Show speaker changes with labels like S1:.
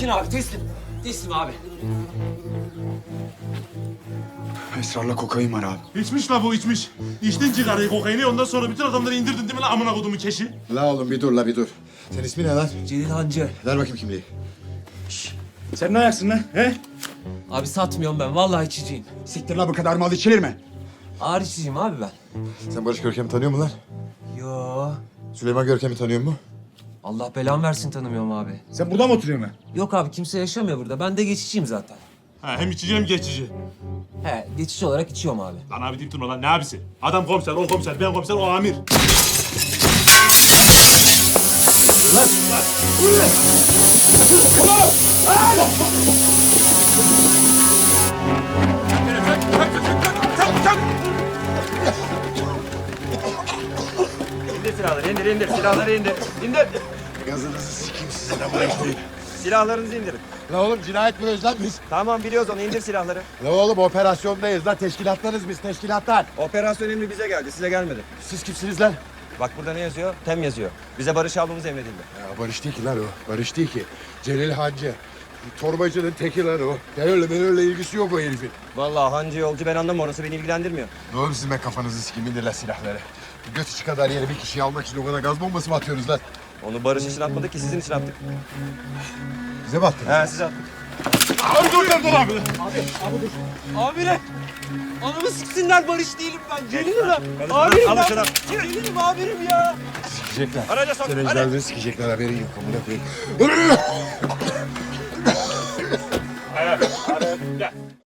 S1: Sakin abi, teslim. Teslim abi.
S2: Esrarla kokain var abi.
S3: İçmiş la bu içmiş. İçtin cigarayı, kokaini, ondan sonra bütün adamları indirdin değil mi la amına kodumun keşi?
S4: La oğlum bir dur la bir dur. Senin ismin ne lan?
S1: Celil Hancı.
S4: Ver bakayım kimliği.
S2: Sen ne ayaksın lan? He?
S1: Abi satmıyorum ben, vallahi içiciyim.
S2: Siktir la bu kadar mal içilir mi?
S1: Ağır içiciyim abi ben.
S4: Sen Barış Görkem'i tanıyor musun lan?
S1: Yo.
S4: Süleyman Görkem'i tanıyor musun?
S1: Allah belamı versin, tanımıyorum abi.
S2: Sen burada mı oturuyorsun lan?
S1: Yok abi, kimse yaşamıyor burada. Ben de geçiciyim zaten.
S3: Ha, hem içici hem geçici.
S1: He, geçici olarak içiyorum abi.
S3: Lan abi deyip durma lan, ne abisi? Adam komiser, o komiser, ben komiser, o amir.
S5: İndir silahları, indir. Silahları indir. İndir.
S4: Gazınızı sikeyim sizin amına koyayım.
S5: Silahlarınızı indirin.
S4: La oğlum cinayet büroyuz lan biz.
S5: Tamam biliyoruz onu, indir silahları.
S4: La oğlum operasyondayız lan teşkilatlarız biz teşkilatlar.
S5: Operasyon emri bize geldi, size gelmedi.
S4: Siz kimsiniz lan?
S5: Bak burada ne yazıyor? TEM yazıyor. Bize barış almamız emredildi.
S4: Ya Barış değil ki lan o. Barış değil ki. Celil Hancı. Torbacının teki lan o. Terörle ilgisi yok o herifin.
S5: Vallahi hancı yolcu ben anlamam, orası beni ilgilendirmiyor.
S4: Ne oğlum sizin ben kafanızı sikeyim indir lan silahları. Göt içi kadar yere bir kişiyi almak için o kadar gaz bombası mı atıyoruz lan?
S5: Onu barış için atmadık ki, sizin için attık.
S4: Bize mi attınız?
S5: He size attık.
S1: Abiler! Anamı siksinler, Barış değilim ben. Celilim ben. Abirim
S5: Alın
S1: ben.
S5: şunu.
S1: Celilim abirim ya.
S4: Sikecekler.
S5: Araca sok,
S4: Senin
S5: hadi.
S4: ecdadını sikecekler haberin yok amına koyayım.
S3: Gel.